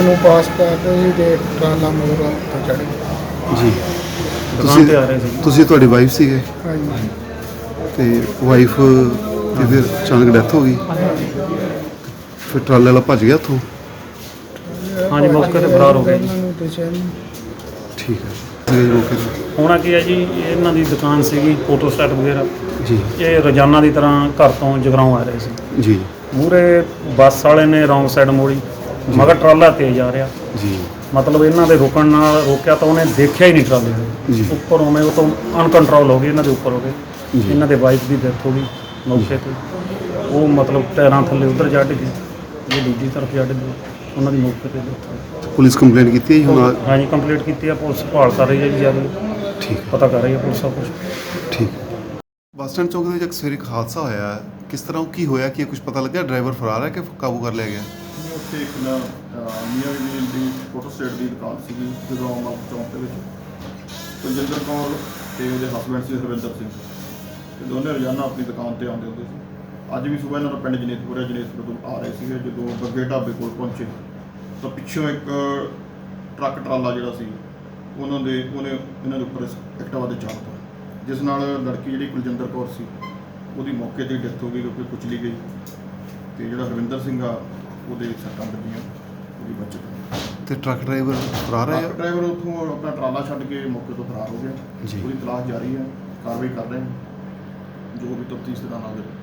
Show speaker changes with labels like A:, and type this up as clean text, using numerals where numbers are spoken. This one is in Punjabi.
A: ਨੂੰ ਪਾਸ ਕਰ ਰਹੇ ਸੀ ਤੇ ਟਰਾਲਾ ਮੋਰ ਉੱਤੇ ਚੜ੍ਹ ਗਿਆ।
B: ਜੀ
C: ਦੁਕਾਨ ਤੇ ਆ ਰਹੇ ਸੀ।
B: ਤੁਸੀਂ ਤੁਹਾਡੀ ਵਾਈਫ ਸੀਗੇ
A: ਹਾਂਜੀ
B: ਤੇ ਵਾਈਫ ਦੀ ਫਿਰ ਅਚਾਨਕ ਡੈਥ ਹੋ ਗਈ, ਫਿਰ ਟਰਾਲੇ ਵਾਲਾ ਭੱਜ ਗਿਆ ਉੱਥੋਂ।
C: ਹਾਂਜੀ, ਮੌਕੇ ਤੇ ਫਰਾਰ ਹੋ ਗਏ ਜੀ।
A: ਇਹਨਾਂ ਨੂੰ ਦੱਸਿਆ ਨਹੀਂ।
B: ਠੀਕ ਹੈ ਜੀ, ਮੌਕੇ ਤੇ
C: ਹੋਣਾ ਕੀ ਹੈ ਜੀ, ਇਹਨਾਂ ਦੀ ਦੁਕਾਨ ਸੀਗੀ ਫੋਟੋ ਸਟੇਟ ਵਗੈਰਾ।
B: ਜੀ
C: ਇਹ ਰੋਜ਼ਾਨਾ ਦੀ ਤਰ੍ਹਾਂ ਘਰ ਤੋਂ ਜਗਰਾਓਂ ਆ ਰਹੇ ਸੀ।
B: ਜੀ
C: ਮੂਹਰੇ ਬੱਸ ਵਾਲੇ ਨੇ ਰੌਂਗ ਸਾਈਡ ਮੋੜੀ, ਮਗਰ ਟਰਾਲਾ ਤੇਜ਼ ਆ ਰਿਹਾ।
B: ਜੀ
C: ਮਤਲਬ ਇਹਨਾਂ ਦੇ ਰੁਕਣ ਨਾਲ ਰੋਕਿਆ ਤਾਂ ਉਹਨੇ ਦੇਖਿਆ ਹੀ ਨਹੀਂ ਟਰਾਲੇ ਨੂੰ।
B: ਜੀ
C: ਉੱਪਰ ਉਵੇਂ ਉਹ ਤੋਂ ਅਨਕੰਟਰੋਲ ਹੋ ਗਈ, ਇਹਨਾਂ ਦੇ ਉੱਪਰ ਹੋ ਗਏ।
B: ਜੀ।
C: ਇਹਨਾਂ ਦੇ ਵਾਈਫ ਦੀ ਡੈਥ ਹੋ ਗਈ ਮੌਕੇ ਤੇ। ਉਹ ਮਤਲਬ ਟਾਇਰਾਂ ਥੱਲੇ ਉੱਧਰ ਚੜ੍ਹ ਗਈ, ਇਹ ਦੂਜੀ ਤਰਫ ਚੜ੍ਹ ਗਈ, ਉਹਨਾਂ ਦੀ ਮੌਕੇ ਤੇ ਡੈਥ ਹੋ ਗਈ।
B: ਪੁਲਿਸ ਕੰਪਲੇਂਟ ਕੀਤੀ ਹੈ ਜੀ ਹੁਣ?
C: ਹਾਂਜੀ, ਕੰਪਲੀਟ ਕੀਤੀ ਆ, ਪੁਲਿਸ ਭਾਲ ਕਰ ਰਹੀ ਹੈ ਜੀ, ਜਿਆਦਾ
B: ਠੀਕ ਹੈ,
C: ਪਤਾ ਕਰ ਰਹੀ ਹੈ ਪੁਲਿਸ ਸਭ ਕੁਛ।
B: ਠੀਕ ਹੈ। ਬੱਸ ਸਟੈਂਡ ਚੌਕ ਦੇ ਵਿੱਚ ਇੱਕ ਸਵੇਰੇ ਇੱਕ ਹਾਦਸਾ ਹੋਇਆ ਹੈ, ਕਿਸ ਤਰ੍ਹਾਂ ਉਹ ਕੀ ਹੋਇਆ, ਕੀ ਕੁਝ ਪਤਾ ਲੱਗਿਆ? ਡਰਾਈਵਰ ਫਰਾਰ ਹੈ ਕਿ ਕਾਬੂ ਕਰ ਲਿਆ ਗਿਆ?
D: ਉੱਥੇ ਇੱਕ ਨਾ ਮੀਆਂ ਬੀਬੀ ਦੀ ਫੋਟੋ ਸਟੇਟ ਦੀ ਦੁਕਾਨ ਸੀਗੀ ਜਦੋਂ ਅਮਰ ਚੌਂਕ ਦੇ ਵਿੱਚ। ਕੁਲਜਿੰਦਰ ਕੌਰ ਤੇ ਉਹਦੇ ਹਸਬੈਂਡ ਸੀ ਹਰਵਿੰਦਰ ਸਿੰਘ, ਤੇ ਦੋਨੇ ਰੋਜ਼ਾਨਾ ਆਪਣੀ ਦੁਕਾਨ ਤੇ ਆਉਂਦੇ ਹੁੰਦੇ ਸੀ। ਅੱਜ ਵੀ ਸਵੇਰ ਇਹਨਾਂ ਦਾ ਪਿੰਡ ਜਨੇਤਪੁਰ ਤੋਂ ਆ ਰਹੇ ਸੀਗੇ। ਜਦੋਂ ਬੱਗੇ ਢਾਬੇ ਕੋਲ ਪਹੁੰਚੇ ਤਾਂ ਪਿੱਛੋਂ ਇੱਕ ਟਰੱਕ ਟਰਾਲਾ ਜਿਹੜਾ ਸੀ ਉਹਨੇ ਇਹਨਾਂ ਦੇ ਉੱਪਰ ਐਕਟਿਵਾ ਦੇ ਚਾੜਤਾ, ਜਿਸ ਨਾਲ ਲੜਕੀ ਜਿਹੜੀ ਕੁਲਜਿੰਦਰ ਕੌਰ ਸੀ ਉਹਦੀ ਮੌਕੇ 'ਤੇ ਡੈਥ ਹੋ ਗਈ, ਕਿਉਂਕਿ ਕੁਚਲੀ ਗਈ। ਤੇ ਜਿਹੜਾ ਹਰਵਿੰਦਰ ਸਿੰਘ ਆ ਉਹਦੇ ਸੱਟਾਂ ਲੱਗੀਆਂ, ਉਹਦੀ ਬਚਤ।
B: ਤੇ ਟਰੱਕ ਡਰਾਈਵਰ ਫਰਾਰ ਹੈ?
D: ਡਰਾਈਵਰ ਉੱਥੋਂ ਆਪਣਾ ਟਰਾਲਾ ਛੱਡ ਕੇ ਮੌਕੇ ਤੋਂ ਫਰਾਰ ਹੋ ਗਿਆ।
B: ਜੀ।
D: ਉਹਦੀ ਤਲਾਸ਼ ਜਾਰੀ ਹੈ, ਕਾਰਵਾਈ ਕਰ ਰਹੇ ਹਾਂ, ਜੋ ਵੀ ਤਫਤੀਸ਼ ਦੇ ਨਾਲ ਆਵੇ।